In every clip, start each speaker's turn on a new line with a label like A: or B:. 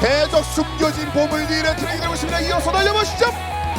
A: 대적 숨겨진 보물 뒤를 트레이드하고 있습니다. 이어서 달려보시죠.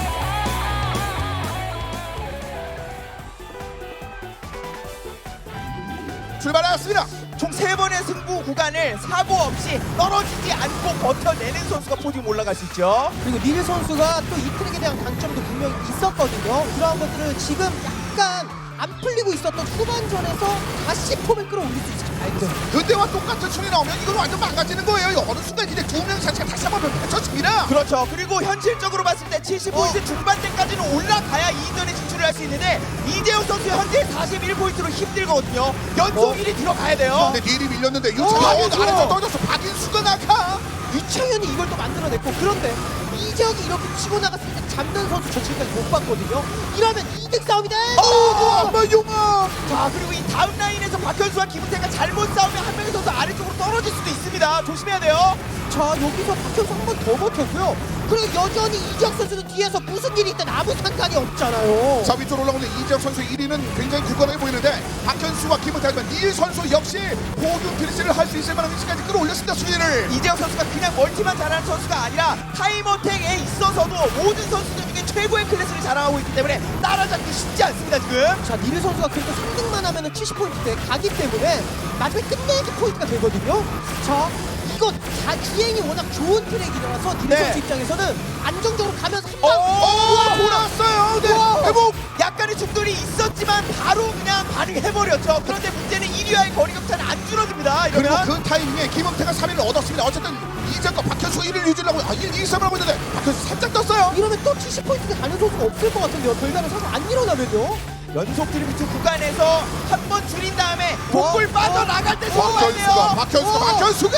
A: 출발하였습니다.
B: 총 3번의 승부 구간을 사고 없이 떨어지지 않고 버텨내는 선수가 포디움 올라갈 수 있죠.
C: 그리고 닐 선수가 또 이 트랙에 대한 강점도 분명히 있었거든요. 그러한 것들을 지금 약간 안 풀리고 있었던 후반전에서 다시 폼을 끌어올릴 수 있을지 봐야겠어요.
A: 그때와 똑같은 순위 나오면 이건 완전 망가지는 거예요. 어느 순간 이제 두 명 자체가 다시 한번 펼쳐집니다.
B: 그렇죠. 그리고 현실적으로 봤을 때 70포인트 중반대까지는 올라가야 2전에 진출을 할 수 있는데 이재용 선수 현재 41포인트로 힘들거든요. 연속 1위 들어가야 돼요.
A: 근데 닐이 밀렸는데 유창현이
C: 그렇죠.
A: 아래서 떨어졌어. 박인수가 나가.
C: 유창현이 이걸 또 만들어냈고, 그런데 이재혁이 이렇게 치고 나갔을 때 잡는 선수 저 지금까지 못 봤거든요. 이러면 2등 싸움이다.
A: 엄마 용아.
B: 자, 그리고 이 다음 라인에서 박현수와 김은태가 잘못 싸우면 한 명의 선수 아래쪽으로 떨어질 수도 있습니다. 조심해야 돼요.
C: 자, 여기서 박현수 한 번 더 버텼고요. 그리고 여전히 이재혁 선수는 뒤에서 무슨 일이 있든 아무 상관이 없잖아요.
A: 자, 위쪽으로 올라오는 이재혁 선수 1위는 굉장히 굳건해 보이는데 박현수와 김은태 하지만 닐 선수 역시 포기움 피니시를 할 수 있을 만한 위치까지 끌어올렸습니다. 순위를.
B: 이재영 선수가 그냥 멀티만 잘하는 선수가 아니라 타임어택에 있어서도 모든 선수들 중에 최고의 클래스를 자랑하고 있기 때문에 따라잡기 쉽지 않습니다 지금.
C: 자, 닐 선수가 그래도 3등만 하면 70포인트에 가기 때문에 나중에 끝내기 포인트가 되거든요. 자, 이거 주행이 워낙 좋은 트랙이라서 닐
B: 네.
C: 선수 입장에서는 안정적으로 가면서 한 방.
A: 돌아왔어요. 네.
C: 우와.
A: 회복.
B: 약간의 충돌이 있었지만 바로 그냥 반응해버렸죠. 그런데 문제는 1위와의 거리 격차는 안 줄어듭니다.
A: 그리고
B: 이러면
A: 그 타이밍에 김은태가 3위를 얻었습니다. 어쨌든 이재혁과 박현수 1위를 유지하고 1, 2, 3을 하고 있는데 박현수 살짝 떴어요.
C: 이러면 또 70포인트가 가는 선수가 없을 것 같은데요. 별다른 사고 안 일어나면요.
B: 연속 드리프트 구간에서 한 번 줄인 다음에 복골 빠져나갈 때 성공해야 돼요.
A: 박현수가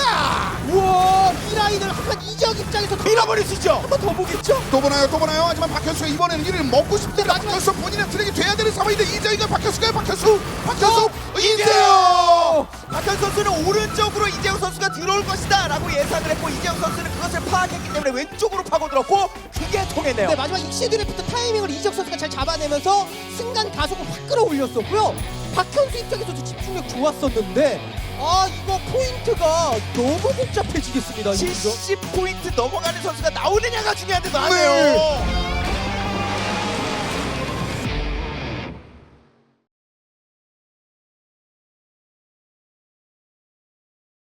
C: 우와, 이 라인을 한번 이재혁 입장에서
B: 밀어버릴 수 있죠.
C: 한 번 더 보겠죠?
A: 또 보나요. 하지만 박현수가 이번에는 1위를 먹고 싶은데 박현수 본인의 트랙이 돼야 되는 상황인데 이재혁이가 박현수 이재혁.
B: 박현 선수는 오른쪽으로 이재영 선수가 들어올 것이다 라고 예상을 했고 이재영 선수는 그것을 파악했기 때문에 왼쪽으로 파고들었고 그게 통했네요.
C: 네, 마지막 익시 드래프트 타이밍을 이재혁 선수가 잘 잡아내면서 순간 가속을 확 끌어올렸었고요. 박현수 입장에서도 집중력 좋았었는데, 아, 이거 포인트가 너무 복잡해지겠습니다.
B: 70포인트 넘어가는 선수가 나오느냐가 중요한데 나네요.